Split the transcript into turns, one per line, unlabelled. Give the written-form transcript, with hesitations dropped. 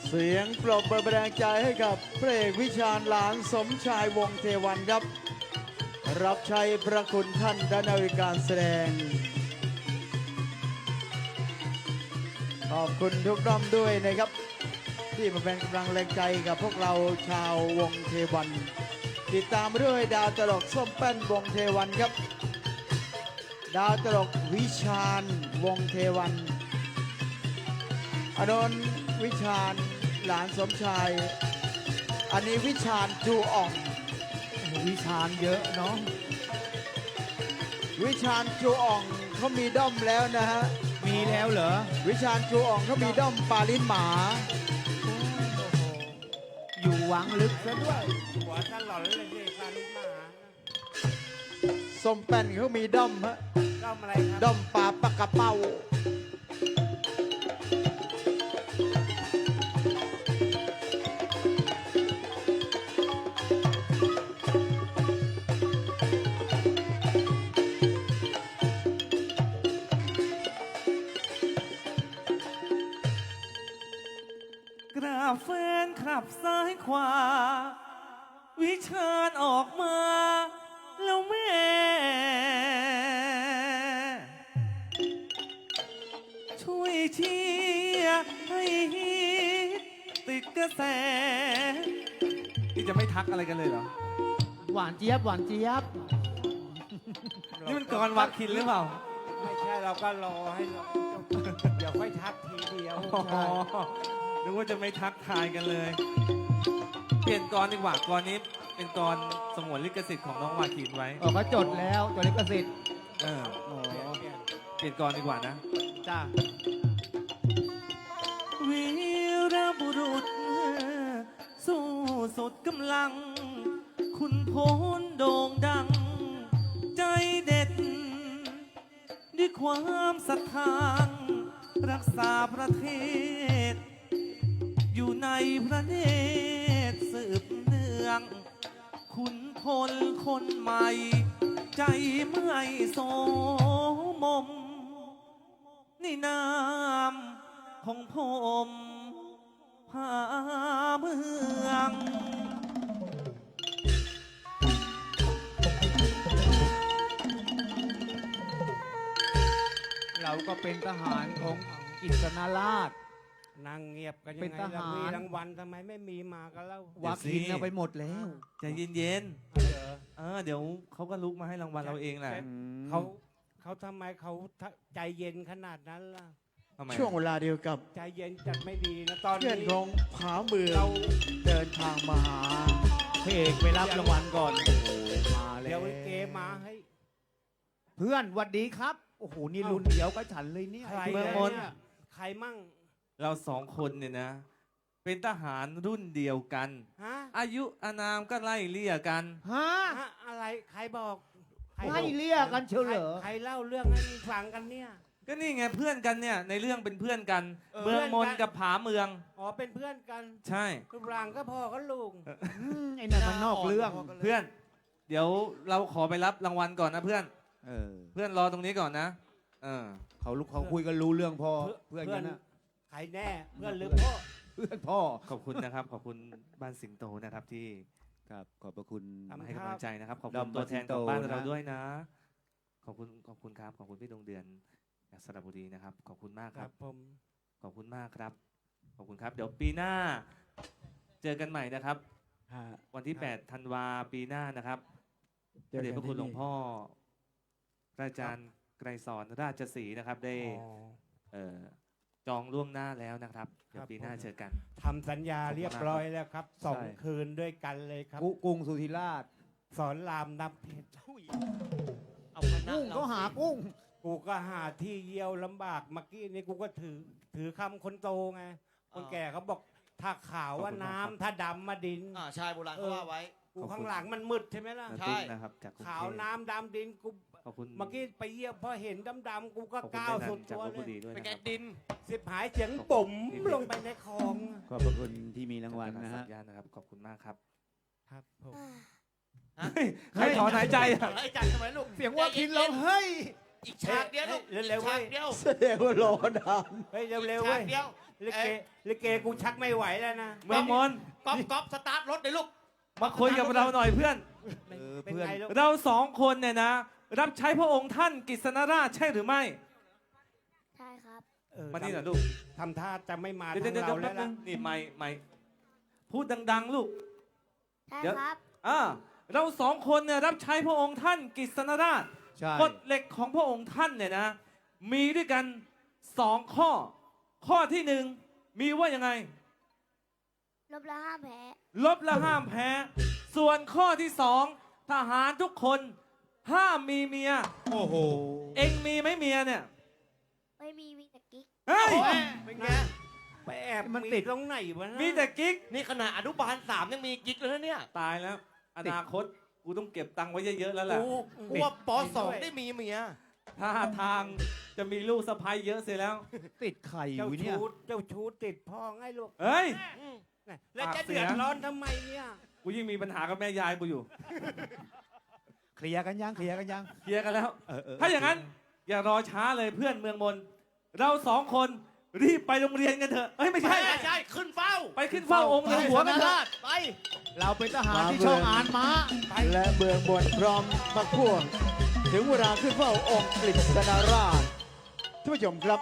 เสียงปรบมือแรงใจให้กับพระเอกวิชาญหลานสมชายวงศ์เทวันครับ รับใช้พระคุณท่านด้านการแสดง ขอบคุณทุกท่านด้วยนะครับ ที่มาเป็นกำลังแรงใจกับพวกเราชาววงเทวัน ติดตามด้วยดาวตลกส้มแป้นวงเทวันครับ ดาวตลกวิชาญวงเทวันอนนท์วิชาญหลานสมชาย อันนี้วิชาญจูอ่อง
วิชาญเยอะเนาะ
วิชาญจูอ่องเขามีด้อมแล้วนะฮะ
มีแล้วเหรอ
วิชาญจูอ่องเขามีด้อมปาลิ้นหมา
อยู่หวังลึกซะด้วย
หัวตลอดเลยสิพาลูกหมา
ส้มแป้นเขามีด้อมฮะ
ด้อมอะไรครับ
ด้อมปลาปากกระเป้า
กราบแฟนขับซ้ายขวา วิชาญออกมา แล้วแม่ ช่วยเชียร์ให้ฮิตติดกระแส นี่จะไม่ทักอะไรกันเลยเหรอ
หวานเจี๊ยบหวานเจี๊ยบ
นี่มันกรวาคินหรือเปล่า
ไม่ใช่เราก็รอให้เราเดี๋ยวค่อยทักทีเดียว
อ๋อนึกว่าจะไม่ทักทายกันเลย เปลี่ยนกรดีกว่ากรนี้เป็นกรสงวนลิขสิทธิ์ของน้องวาคินไว้
เขาจดแล้วจดลิขสิทธิ์
เออ
โอ้
เปลี่ยนกรดีกว่านะ
จ้า
วีรบุรุษ สู้สุดกำลัง คุณโพลโด่งดัง ใจเด็ด ด้วยความศรัทธารักษาประเทศ อยู่ในพระเนตรสืบเนื่อง คุณพลคนใหม่ ใจไม่โสมมในนามของผมพาเมือง
เราก็เป็นทหารของอิสนาราช
นั่งเงียบกัน
เป็
ยัง
น
ไง
ท
ล่ะ
หาร
มีรางวัลทำไมไม่มีมากันแล้ว
วาคินเอาไปหมดแล้ว
ใจเย็น
เหรอ
ๆเดี๋ยวเขาก็ลุกมาให้รางวัลเราเองแหละ
เขาทำไมเขาใจเย็นขนาดนั้นล่ะ
ทำไม
ช่วงเวลาเดียวกับ
ใจเย็นจัดไม่ดีนะตอน
เพื่อน
นี้
ของผาเมือง
เรา
เดินทางมาหา
พระเอกไปรับรางวัลก่อน โอ้โหมาแล้
เดี๋ยว
ว
เกมาให้
เพื่อนหวัดดีครับ โอ้โห นี่รุ่นเดียวกับฉันเลยเนี่ย
ใคร
เมืองมน
เนี่ยใครมั่ง
เราสองคนเนี่ยนะ เป็นทหารรุ่นเดียวกัน
ฮะ
อายุอานามก็ไล่เลี่ยกัน
ฮะ
ฮะอะไรใครบอกใคร
ให้เรียกกันเชียวเหรอ
ใครเล่าเรื่องให้ฟังกันเนี่ย
ก็นี่ไงเพื่อนกันเนี่ย ในเรื่องเป็นเพื่อนกัน
เออ
เมืองมน
เพื่อนกัน
กับผาเมือง
อ๋อเป็นเพื่อนกัน
ใช่
รูปร่างก็พ่อก็ลุง
ไอ้นั่นมันนอกเรื่อง
เพื่อน เดี๋ยวเราขอไปรับรางวัลก่อนนะเพื่อน
เออ
เพื่อนรอตรงนี้ก่อนนะ
เขาคุยกันรู้เรื่องพอ เพื่อนกันนะ
ใครแน่เพื่อนหรือพ่อ
เพื่อนพ่อ
ขอบคุณนะครับ ขอบคุณบ้านสิงโตนะครับที่
ครับ ขอบพระคุณ
มาให้กำลังใจนะครับ ขอบ
ดอ
คุ
ม
ณตัวแทนของ
บ้า
บ้าน น
สิงโต
เรา
นะ
ด้วยนะ ขอบคุณครับ ขอบคุณพี่ดวงเดือนจากสระบุรีนะครับ ขอบคุณมาก
ค
ค
รั
รั
บบ ผม
ขอบคุณมากครับ ขอบคุณครับ เดี๋ยวปีหน้า เจอกันใหม่นะครับ วันที่ 8 ธันวาปีหน้านะครับพระเดชพระคุณหลวงพ่อพระอาจารย์ไกรสอนราชสีห์นะครับ ได้
อ๋อ
เอ่อจองล่วงหน้าแล้วนะครับ เดี๋ยวปีหน้า
ผม
เจอกัน
ทำสัญญาเรียบร้อยแล้วครับสอง
ใช่
คืนด้วยกันเลยครับ
กุ้งสุธิราช
สอนรามนับเพชร
กุ้งเขาหากุ้ง
กูก็หาที่เยี่ยวลำบากเมื่อกี้นี้กูก็ถือคำคนโตไง คนแก่เขาบอกถ้าขาวว่าน้ำถ้าดำมาดิน
ใช่โบราณเขาว่าไว้
กูข้างหลังมันมืดใช่ไหมล่ะ
นา
ใช่
ตุ๊กนะครับจากกรุง
ขาว
เทพ
น้ำดำดินกู
ขอบคุณ
เมื่อกี้ไปเยี่ยมพอเห็นดำๆกูก็
ขอบคุณ
ก้าว
แม่นั
สุ
น
ด
จาก
ตัว
ลพ
เล
บุรี
ย
ด้วย
เป็น
นะ
ไง
ครับ
ดิน
สิบหายเสียงปุ่มลงไปในคลอง
ขอบพระคุณที่มีรางวัลนะฮะ
สัญญาณนะครับ ขอบคุณมากครับ
ครับผม
ใครถอนหายใจอะ
ไอ้จัดทำไมลูก
เสียงว่าคินเราเฮ้ย
อีกฉากเดียวลูก
เร็วๆ
ฉาก
เว้ย
เดียว
แสดงว่ารอนาน
เฮ้ยเร็วๆ
ฉา
เว้
ก
ย
เดียว
ลิเกลิเกกูชักไม่ไหวแล้วนะ
เมืองมน
ก๊อฟสตาร์ทรถเลยลูก
มาคุยกับเราหน่อยเพื่อน
เป็นไงลูก
เราสองคนเนี่ยนะ รับใช้พระองค์ท่านกฤษณราชใช่หรือไม่
ใช่ครับ
มานี่หน่อยลูก
ทำท่าจะไม่มา
เดี๋ยว
ทาง
เดี๋ยว
เรา
แป๊
แล้
บ
ว
นึ
ล่ะ
งนี่ไม่พูดดัง ๆ ลูก
ใช่
เดี๋ยว
ครับ
เราสองคนเนี่ยรับใช้พระองค์ท่านกฤษณราช
ใช่
กฎเหล็กของพระองค์ท่านเนี่ยนะ มีด้วยกันสองข้อ ข้อที่หนึ่งมีว่ายังไง
ลบละห้ามแพ้
ลบและห้ามแพ้ ส่วนข้อที่สองทหารทุกคนห้ามมีเมีย
โอ้โห
เองมีไหมเมียเนี่ย
ไม่มีแต่กิ๊ก
เฮ้ย
เป็นไง
ไปแอบ
มันติด
ตรงไหนวะนะ
มีแต่กิ๊ก
นี่ขนาดอนุบาล3ยังมีกิ๊กเลยนะเนี่ย
ตายแล้ว อนาคตกูต้องเก็บตังค์ไว้เยอะๆแล้วแหละ
กูว่าป .2 ได้มีเมีย
ถ้าทางจะมีลูกสะใภ้เยอะเสียแล้ว
ติดไข่อ
เจ้า
ยู่เนี่ย
ชู้เจ้าชู้ติดพ่อไงลูก
เฮ้ย
แล้ว
ปาก
จะ
เสี
เดื
ย
อดร้อนทำไมเนี่ย
กูยิ่งมีปัญหากับแม่ยายกูอยู่
เคลียร์กันยังเคลียร์กันยัง
เคลียร์กันแล้ว
เออ
ถ้าอย่างนั้น อย่ารอช้าเลยเพื่อนเมืองมน เราสองคนรีบไปโรงเรียนกันเถอะเอ้ยไม่ใช่
ใช่ขึ้นเฝ้า
ไปขึ้นเฝ้าองค์หลวงหัวกันเถอะ
ไป
เราเป็นทหารที่ช่องอานม้า
และเมืองบนพร้อมพักพวกถึงเวลาขึ้นเฝ้าองค์กฤษณราชท่านผู้ชมครับ